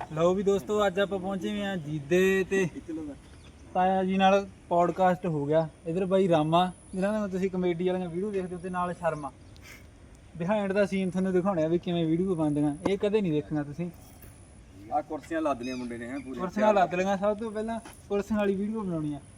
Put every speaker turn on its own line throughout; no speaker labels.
ਲਓ ਵੀ ਦੋਸਤੋ ਅੱਜ ਆਪਾਂ ਪਹੁੰਚੇ ਹੋਏ ਆ ਜੀਦੇ ਤੇ ਤਾਇਆ ਜੀ ਨਾਲ ਪੌਡਕਾਸਟ ਹੋ ਗਿਆ। ਇਧਰ ਬਾਈ ਰਾਮਾ ਜਿਹਨਾਂ ਨਾਲ ਤੁਸੀਂ ਕਮੇਡੀ ਵਾਲੀਆਂ ਵੀਡੀਓ ਦੇਖਦੇ ਹੋ ਤੇ ਨਾਲ ਸ਼ਰਮਾ ਬਿਹਾਈਂਡ ਦਾ ਸੀਨ ਤੁਹਾਨੂੰ ਦਿਖਾਉਣਾ ਵੀ ਕਿਵੇਂ ਵੀਡੀਓ ਬਣਦੀਆਂ। ਇਹ ਕਦੇ ਨਹੀਂ ਦੇਖਣਾ ਤੁਸੀਂ।
ਆ ਕੁਰਸੀਆਂ ਲੱਦ ਲੀਆਂ ਮੁੰਡੇ ਨੇ ਹੈ ਪੂਰੀ
ਕੁਰਸੀਆਂ ਲੱਦ ਲਈਆਂ। ਸਭ ਤੋਂ ਪਹਿਲਾਂ ਕੁਰਸੀਆਂ ਵਾਲੀ ਵੀਡੀਓ ਬਣਾਉਣੀ ਆ।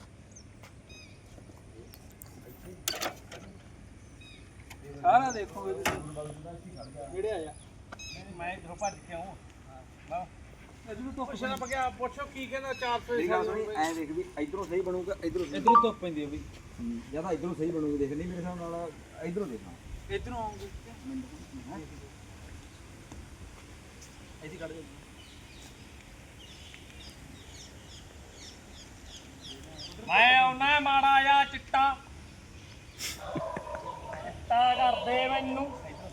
ਸਾਰਾ ਦੇਖੋਗੇ ਤੁਸੀਂ ਜਿਹੜੇ ਆਇਆ ਮੈਂ ਇਧਰੋਂ ਭੱਜ ਕੇ ਆਉਂ ਇਧਰੋਂ ਤੋਂ ਪੁੱਛਣਾ ਪਗਿਆ ਪੁੱਛੋ ਕੀ ਕਹਿੰਦਾ 400
ਐ ਦੇਖ ਵੀ ਇਧਰੋਂ ਸਹੀ ਬਣੂਗਾ ਇਧਰੋਂ
ਧੁੱਪ ਪੈਂਦੀ ਹੈ ਬਈ
ਜਾਂ ਤਾਂ ਇਧਰੋਂ ਸਹੀ ਬਣੂਗੀ ਦੇਖ ਨਹੀਂ ਮੇਰੇ ਹਿਸਾਬ ਨਾਲ ਇਧਰੋਂ ਦੇਖਾਂ
ਇਧਰੋਂ ਆਉਂਗੇ ਐਸੀ ਕੱਢ ਦੇ
ਮੈਂ ਆਉਣਾ ਮਾੜਾ ਆ ਚਿੱਟਾ ਚਿੱਟਾ ਕਰਦੇ ਮੈਨੂੰ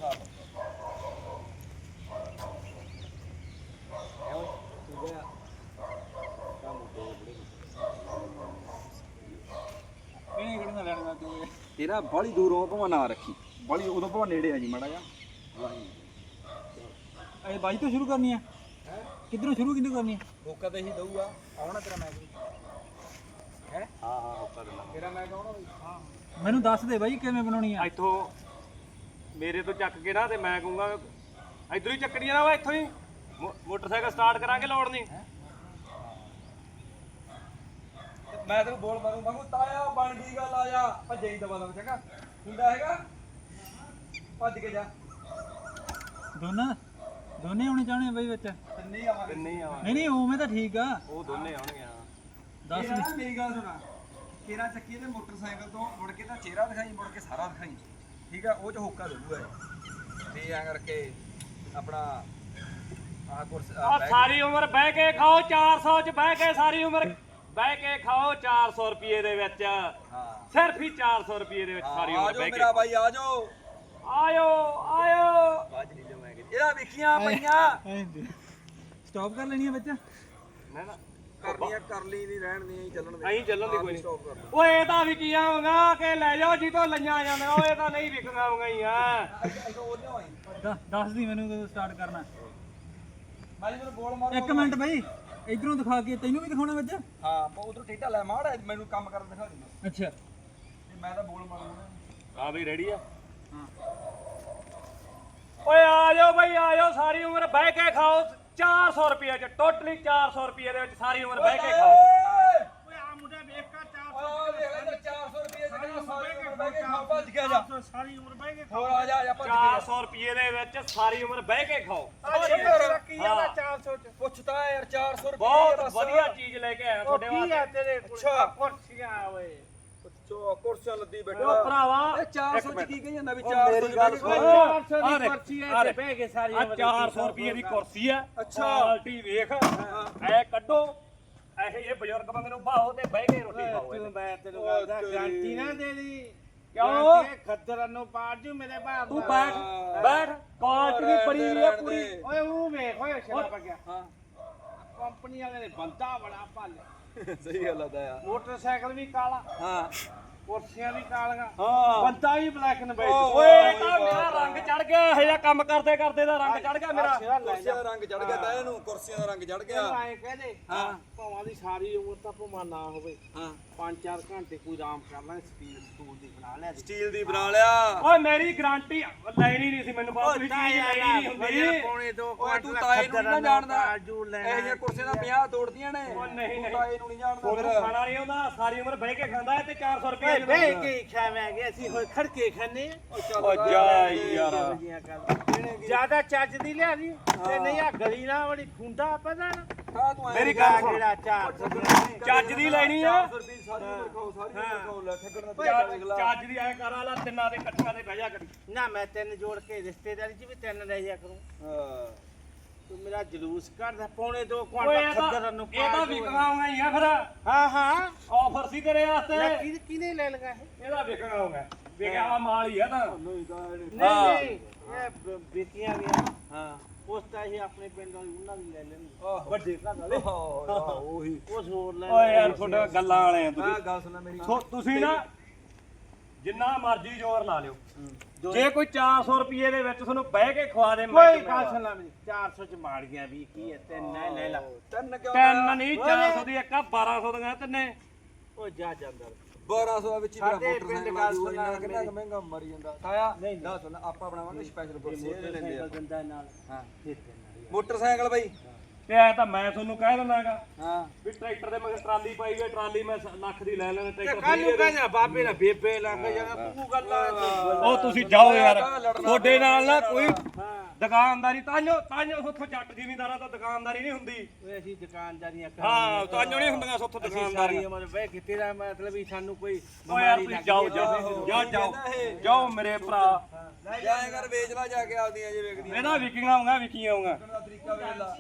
ਕਿਹਨੇ ਕਿਹਨੇ ਲੈਣਾ ਤੂੰ
ਤੇਰਾ ਬੜੀ ਦੂਰੋਂ ਭਾਵੇਂ ਨਾ ਰੱਖੀ ਬੜੀ ਉਦੋਂ ਭਾਵੇਂ ਨੇੜੇ ਆ ਜੀ ਮਾੜਾ ਜਾ
ਇਹ ਬਾਈ ਤੋਂ ਸ਼ੁਰੂ ਕਰਨੀ ਆ ਕਿੱਧਰੋਂ ਸ਼ੁਰੂ ਕਿੰਨੇ ਕਰਨੀ ਆ ਹੋਕਾ ਤਾਂ ਇਹੀ ਦਊਗਾ ਆਉਣਾ ਤੇਰਾ ਮੈਚ ਹੈ
ਹਾਂ ਹੋਕਾ ਦੇਣਾ
ਤੇਰਾ ਮੈਚ ਆਉਣਾ ਬਈ ਹਾਂ ਮੈਨੂੰ ਦੱਸ ਦੇ ਬਾਈ ਕਿਵੇਂ ਬਣਾਉਣੀ ਆ
ਇੱਥੋਂ ਮੇਰੇ ਤੋਂ ਚੱਕ ਕੇ ਨਾ ਤੇ ਮੈਂ ਕਹੂੰਗਾ ਇਧਰੋਂ ਹੀ ਚੱਕਣੀ ਆ ਵਾ ਇੱਥੋਂ ਹੀ ਮੋਟਰਸਾਈਕਲ ਸਟਾਰਟ ਕਰਾਂਗੇ ਲੋੜ ਨਹੀਂ
ਮੈਂ ਤੈਨੂੰ ਬੋਲ ਮਾਰੂ ਮੰਗੂ ਤਾਇਆ ਬਣ ਗਈ ਗੱਲ ਆ ਜਾ ਭੱਜੇ ਹੀ ਦਵਾ ਦਵਾ ਚੰਗਾ ਹੁੰਦਾ ਹੈਗਾ ਭੱਜ ਕੇ ਜਾ
ਦੋਨੇ ਹੋਣੇ ਚਾਹਣੇ ਬਾਈ ਵਿੱਚ
ਨਹੀਂ ਆਵਾਂਗੇ
ਨਹੀਂ ਆ
ਨਹੀਂ ਉਵੇਂ ਤਾਂ ਠੀਕ ਆ
ਉਹ ਦੋਨੇ ਆਉਣਗੇ ਹਾਂ
ਦੱਸ
ਨਾ ਮੇਰੀ ਗੱਲ ਸੁਣਾ ਤੇਰਾ ਚੱਕੀ ਤੇ ਮੋਟਰਸਾਈਕਲ ਤੋਂ ਮੁੜ ਕੇ ਤਾਂ ਚਿਹਰਾ ਦਿਖਾਈ ਮੁੜ ਕੇ ਸਾਰਾ ਦਿਖਾਈ ਠੀਕ ਆ ਉਹ ਚ ਹੋਕਾ ਦਊਗਾ ਤੇ ਐਂ ਕਰਕੇ ਆਪਣਾ ਆਹ ਕੁਰਸ
ਆ ਸਾਰੀ ਉਮਰ ਬਹਿ ਕੇ ਖਾਓ 400 ਚ ਬਹਿ ਕੇ ਸਾਰੀ ਉਮਰ ਬਹਿ ਕੇ ਖਾਓ 400 ਰੁਪਏ ਦੇ ਵਿੱਚ
ਹਾਂ
ਸਿਰਫ ਹੀ 400 ਰੁਪਏ ਦੇ ਵਿੱਚ ਸਾਰੀ ਉਮਰ
ਆਜੋ
ਬਹਿ ਕੇ
ਮੇਰਾ ਬਾਈ ਆਜੋ
ਆਇਓ ਆਇਓ
ਬਾਜ ਨਹੀਂ ਲਵਾਂਗੇ ਇਹਦਾ ਵੇਖੀਆਂ ਪਈਆਂ
ਸਟਾਪ ਕਰ ਲੈਣੀ ਆ ਬੱਚਾ
ਨਾ ਨਾ
ਕਰਨੀਆਂ ਕਰ ਲਈ ਨਹੀਂ ਰਹਿਣ ਨਹੀਂ ਚੱਲਣ ਦੇ
ਅਸੀਂ ਚੱਲਣ ਦੀ ਕੋਈ ਨਹੀਂ
ਸਟਾਪ ਕਰ
ਓਏ ਇਹ ਤਾਂ ਵਿਕੀਆਂ ਹੋਗਾ ਕਿ ਲੈ ਜਾਓ ਜੀ ਤੋਂ ਲਈਆਂ ਜਾਂਦੀਆਂ ਓਏ ਤਾਂ ਨਹੀਂ ਵਿਕੀਆਂ ਹੋਗਾ ਹੀ ਆ
ਦੱਸ ਦੀ ਮੈਨੂੰ ਕਦੋਂ ਸਟਾਰਟ ਕਰਨਾ
ਮੈਂ ਮੈਨੂੰ ਬੋਲ ਮਾਰ
ਇੱਕ ਮਿੰਟ ਬਾਈ ਇਧਰੋਂ ਦਿਖਾ ਕੇ ਤੈਨੂੰ ਵੀ ਦਿਖਾਉਣਾ ਵਿੱਚ
ਹਾਂ ਉਧਰੋਂ ਟੇਢਾ ਲੈ ਮਾੜ ਮੈਨੂੰ ਕੰਮ ਕਰਨ ਦਿਖਾ ਦੇ
ਅੱਛਾ
ਮੈਂ ਤਾਂ ਬੋਲ ਮਾਰੂੰਗਾ
ਆ ਬਈ ਰੈਡੀ ਆ
ਹਾਂ
ਓਏ ਆ ਜਾਓ ਬਈ ਆ ਜਾਓ ਸਾਰੀ ਉਮਰ ਬਹਿ ਕੇ ਖਾਓ 400 ਰੁਪਏ ਚ ਟੋਟਲੀ 400 ਰੁਪਏ ਦੇ ਵਿੱਚ ਸਾਰੀ ਉਮਰ ਬਹਿ ਕੇ ਖਾਓ
ਓਏ ਆ ਮੁੰਡਾ ਵੇਖ ਕਾ 400 ਦੇਖ ਲੈ 400 ਰੁਪਏ ਚ ਕਿੰਨਾ ਸਾਰੀ ਉਮਰ ਬਹਿ ਕੇ ਖਾਓ ਭੱਜ ਕੇ ਜਾ
ਸਾਰੀ ਉਮਰ ਬਹਿ ਕੇ
ਹੋਰ ਆ ਜਾ ਭੱਜ ਕੇ
400 ਰੁਪਏ ਦੇ ਵਿੱਚ ਸਾਰੀ ਉਮਰ ਬਹਿ ਕੇ ਖਾਓ
ਰੱਖੀ ਜਾਂਦਾ 400 ਚ ਪੁੱਛਦਾ ਯਾਰ 400 ਰੁਪਏ
ਬਹੁਤ ਵਧੀਆ ਚੀਜ਼ ਲੈ ਕੇ ਆਇਆ ਤੁਹਾਡੇ ਵਾਸਤੇ
ਤੇਰੇ ਅੱਛਾ
ਕੁਰਸੀਆਂ ਓਏ
ਅੱਛਾ ਕੁਰਸੀਆਂ ਲੱਦੀ
ਓ
ਬੈਠਾ
ਭਰਾਵਾ
ਇਹ 400 ਚ ਕੀ ਕਹੀ ਜਾਂਦਾ ਵੀ 400 ਚ ਬਹਿ ਕੇ ਖਾਓ
400 ਦੀ ਕੁਰਸੀ ਐ ਤੇ ਬਹਿ ਕੇ ਸਾਰੀ ਉਮਰ 400 ਰੁਪਏ ਦੀ ਕੁਰਸੀ ਆ
ਅੱਛਾ।
ਕੁਆਲਿਟੀ ਵੇਖ ਐ ਕੱਢੋ ਇਹ ਬਜ਼ੁਰਗ ਬੰਦੇ ਨੂੰ ਬਾਹੋ ਤੇ ਬਹਿ ਕੇ ਰੋਟੀ ਖਾਓ
ਤੂੰ ਮੈਂ ਤੈਨੂੰ ਕਹਿੰਦਾ ਗਾਰੰਟੀ ਨਾ ਦੇ ਦੀ
ਕਿਉਂ
ਖੱਦਰ ਨੂੰ ਪਾੜ ਜੂ ਮੇਰੇ ਬਾਪ
ਤੂੰ ਬੈਠ ਬੈਠ ਕੁਆਲਿਟੀ ਦੀ ਬੜੀ ਵੀ ਆ ਪੂਰੀ
ਓਏ ਉਹ ਵੇਖ ਓਏ ਸ਼ਰਾਬ ਆ ਗਿਆ
ਹਾਂ
ਕੰਪਨੀ ਵਾਲੇ ਨੇ ਬੰਦਾ ਬੜਾ ਭਾਲਿਆ
ਸਹੀ ਗੱਲ ਆਦਾ ਯਾਰ
ਮੋਟਰਸਾਈਕਲ ਵੀ ਕਾਲਾ
ਹਾਂ
ਕੁਰਸੀਆਂ ਵੀ ਕਾਲੀਆਂ
ਹਾਂ
ਬੰਦਾ ਵੀ ਬਲੈਕ ਐਂਡ ਵਾਈਟ
ਓਏ ਇਹ ਤਾਂ ਮੇਰਾ ਰੰਗ ਚੜ ਗਿਆ ਇਹ ਜਿਹਾ ਕੰਮ ਕਰਦੇ ਕਰਦੇ ਦਾ ਰੰਗ ਚੜ ਗਿਆ ਮੇਰਾ
ਕੁਰਸੀਆਂ ਦਾ ਰੰਗ ਚੜ ਗਿਆ ਤਾਂ ਇਹਨੂੰ ਕੁਰਸੀਆਂ ਦਾ ਰੰਗ ਚੜ ਗਿਆ
ਐ ਕਹਦੇ
ਹਾਂ
ਭਾਵਾਂ ਦੀ ਸਾਰੀ ਉਮਰ ਤਾਂ ਭਾਵਾਂ ਨਾ ਹੋਵੇ
ਹਾਂ
5-4 ਘੰਟੇ ਕੋਈ ਆਰਾਮ ਕਰ ਲੈ ਸਟੂਲ ਦੀ ਬਣਾ ਲਿਆ
ਸਟੀਲ ਦੀ ਬਣਾ ਲਿਆ
ਓਏ ਮੇਰੀ ਗਾਰੰਟੀ ਲੈਣੀ ਨਹੀਂ ਸੀ ਮੈਨੂੰ ਬਾਤ ਵੀ ਚੀਜ਼ ਲੈਣੀ ਨਹੀਂ ਹੁੰਦੀ
ਪੌਣੇ 2
ਓਏ ਤੂੰ ਤਾਏ ਨੂੰ ਨਹੀਂ ਜਾਣਦਾ
ਜੂ
ਇਹ
ਲੈਣਾ
ਜਿਹੀਆਂ ਕੁਰਸੀਆਂ ਦਾ 50 ਤੋੜਦੀਆਂ ਨੇ
ਓ ਨਹੀਂ ਨਹੀਂ
ਤਾਏ ਨੂੰ ਨਹੀਂ ਜਾਣਦਾ
ਉਹਨੂੰ
ਫਿਰ
ਖਾਣਾ ਨਹੀਂ ਆਉਂਦਾ ਸਾਰੀ ਉਮਰ ਬਹਿ ਕੇ ਖਾਂਦਾ ਤੇ 400 ਰੁਪਏ
ਬਹਿ ਕੇ ਖਾਵਾਂਗੇ ਅਸੀਂ ਹੋਏ ਖੜਕੇ ਖਾਣੇ
ਓ ਜਾ ਯਾਰ
ਜਿਆਦਾ ਚੱਜ ਦੀ ਲਿਆ ਦੀ ਤੇ ਨਹੀਂ ਆ ਗਲੀ ਨਾ ਬੜੀ ਖੁੰਡਾ ਪਤਾ ਨਾ
ਖਾ ਤੂੰ
ਮੇਰੀ ਗੱਲ ਸੁਣ
ਕਿਹੜਾ ਚਾਰ
ਚੱਜ ਦੀ ਲੈਣੀ ਆ
400 ਰੁਪਏ ਸਾਰੀ ਉਮਰ ਖਾਓ ਸਾਰੀ ਉਮਰ ਖਾਓ ਲੈ ਠੱਗਣ ਦਾ
ਚੱਜ ਦੀ ਐ ਕਰਾ ਲਾ ਤਿੰਨਾਂ ਦੇ ਇਕੱਠਿਆਂ ਦੇ ਬਹਿ ਜਾ ਕਰੀ
ਨਾ ਮੈਂ ਤਿੰਨ ਜੋੜ ਕੇ ਰਿਸ਼ਤੇਦਾਰੀ ਚ ਵੀ ਤਿੰਨ ਲੈ ਜਾ ਕਰੂੰ
ਹਾਂ
ਤੂੰ ਮੇਰਾ ਜਲੂਸ ਕੱਢਦਾ ਪੌਣੇ 2
ਓਏ
ਕੁਆਂਟਲ ਖੱਦਰ ਨੂੰ
ਇਹ ਤਾਂ ਵਿਕਣਾਉਂਗਾ ਹੀ ਆ ਫਿਰ
ਹਾਂ ਹਾਂ
ਆਫਰ ਸੀ ਤੇਰੇ ਵਾਸਤੇ
ਕਿਹਨੇ ਲੈ ਲਗਾ ਇਹ
ਇਹਦਾ ਵਿਕਣਾਉਂਗਾ ਵਿਕਿਆ ਮਾਲ ਹੀ ਆ ਤਾਂ
ਨਹੀਂ ਤਾਂ
ਨਹੀਂ ਇਹ ਬੇਟੀਆਂ ਵੀ
ਹਾਂ
ਉਸ ਤਾਂ ਇਹ ਆਪਣੇ ਪਿੰਡ ਵਾਲੀ ਉਹਨਾਂ ਦੀ ਲੈ ਲੈਣੀ
ਆਹੋ।
ਵੱਡੇ ਘਰ ਵਾਲੇ
ਉਹੀ
ਉਸ ਹੋਰ ਲੈ
ਓਏ ਯਾਰ ਤੁਹਾਡਾ ਗੱਲਾਂ ਵਾਲੇ ਆ
ਆ
ਤੁਸੀਂ
ਗੱਲ ਸੁਣ ਮੇਰੀ
ਤੁਸੀਂ ਨਾ ਜਿੰਨਾ ਮਰਜ਼ੀ ਜ਼ੋਰ ਲਾ ਲਿਓ ਜੇ ਕੋਈ 400 ਰੁਪਏ ਦੇ ਵਿੱਚ ਤੁਹਾਨੂੰ ਬਹਿ ਕੇ ਖਵਾ ਦੇ ਮੈਂ
ਕੋਈ ਗੱਲ ਸੁਣਾ ਮੇਰੀ 400 ਚ ਮਾਰ ਗਿਆ ਵੀ ਕੀ ਹੈ ਤਿੰਨ ਨਾ ਲੈ ਲਾ
ਤਿੰਨ ਕਿਉਂ
ਤਿੰਨ ਨਹੀਂ 400 ਦੀ ਇੱਕ ਆ 1200 ਦੀਆਂ ਤਿੰਨੇ
ਉਹ ਜਾ ਜਾਂਦਾ
1200 ਵਿੱਚ ਹੀ ਮੇਰਾ
ਸਾਡੇ
ਮੋਟਰਸਾਈਕਲ
ਪਿੰਡ
ਆ
ਗੱਲ
ਜੂ ਇੰਨਾ
ਸੁਣਾ
ਕਿੰਨਾ ਕੁ ਮਹਿੰਗਾ ਮਰੀ ਜਾਂਦਾ ਤਾਇਆ ਨਾ ਸੁਣ ਆਪਾਂ ਬਣਾਵਾਂਗੇ ਸਪੈਸ਼ਲ ਕੁਰਸੀ ਇਹ ਲੈਂਦੇ ਆ
ਦੰਦਾ ਨਾਲ
ਹਾਂ
ਦੇ ਦੇਣਾ
ਮੋਟਰਸਾਈਕਲ ਬਾਈ
ਤੇ ਐ ਤਾਂ ਮੈਂ ਤੁਹਾਨੂੰ ਕਹਿ ਦਿੰਦਾਗਾ
ਹਾਂ
ਵੀ ਟਰੈਕਟਰ ਦੇ ਮਗਰ ਟਰਾਲੀ ਪਾਈ ਹੋਈ ਟਰਾਲੀ ਮੈਂ ਲੱਖ ਦੀ ਲੈ ਲੈਣਾ ਟਰੈਕਟਰ
ਕੱਲ ਨੂੰ ਕਹਿੰਦਾ ਬਾਬੇ ਨਾਲ ਬੇਬੇ ਲੱਗ ਜਾਣਾ ਤੂੰ ਗੱਲਾਂ
ਉਹ ਤੁਸੀਂ ਜਾਓ ਯਾਰ ਤੁਹਾਡੇ ਨਾਲ ਨਾ ਕੋਈ ਦੁਕਾਨਦਾਰੀ ਤਾਂਜੋ ਉੱਥੋਂ ਜੱਟ ਜ਼ਿਮੀਂਦਾਰਾਂ ਤਾਂ ਦੁਕਾਨਦਾਰੀ ਨਹੀਂ ਹੁੰਦੀ
ਓਏ ਅਸੀਂ ਦੁਕਾਨਦਾਰੀਆਂ
ਹਾਂ ਤਾਂਜੋ ਨਹੀਂ ਹੁੰਦੀਆਂ ਉੱਥੋਂ
ਸਾਰੀ
ਦੁਕਾਨਦਾਰੀ
ਉਮਰ ਬਹਿ ਕਿਤੇ ਦਾ ਮਤਲਬ ਵੀ ਸਾਨੂੰ ਕੋਈ
ਓ ਯਾਰ
ਬਿਮਾਰੀ
ਤੁਸੀਂ
ਲੱਗ
ਜਾਓ ਮੇਰੇ ਭਰਾ
ਜਾਏ ਕਰ ਵੇਚ ਲਾ ਜਾ ਕੇ ਆਪਦੀਆਂ ਜੇ ਵੇਖਦੀਆਂ
ਇਹਦਾ ਵਿਕੀਆਂ ਆਉਂਗਾ ਵਿਕੀਆਂ ਆਉਂਗਾ
ਦਾ ਤਰੀਕਾ ਵੇਖ ਲਾ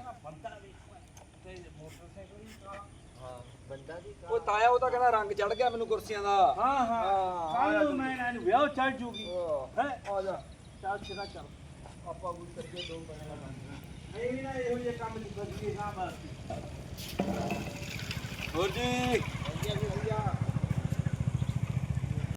ਉਹ ਤਾਇਆ ਉਹ ਤਾਂ ਕਹਿੰਦਾ ਰੰਗ ਚੜ ਗਿਆ ਮੈਨੂੰ ਕੁਰਸੀਆਂ ਦਾ
ਹਾਂ ਹਾਂ ਕੱਲ ਨੂੰ ਮੈਂ ਇਹਨਾਂ ਨੂੰ ਵਿਆਹ ਚੜ ਜੂਗੀ ਹੈ
ਆ ਜਾ
ਚੱਲ ਸਿਰਾ ਚੱਲ
ਆਪਾਂ ਕੁਝ ਕਰੀਏ ਦੋ ਪੈਸੇ ਲਗਾਉਂਦੇ
ਇਹ ਨਾ ਇਹੋ ਜਿਹੇ ਕੰਮ ਨਹੀਂ ਕਰੀਏ ਨਾ ਬਸ
ਹੋਰ ਜੀ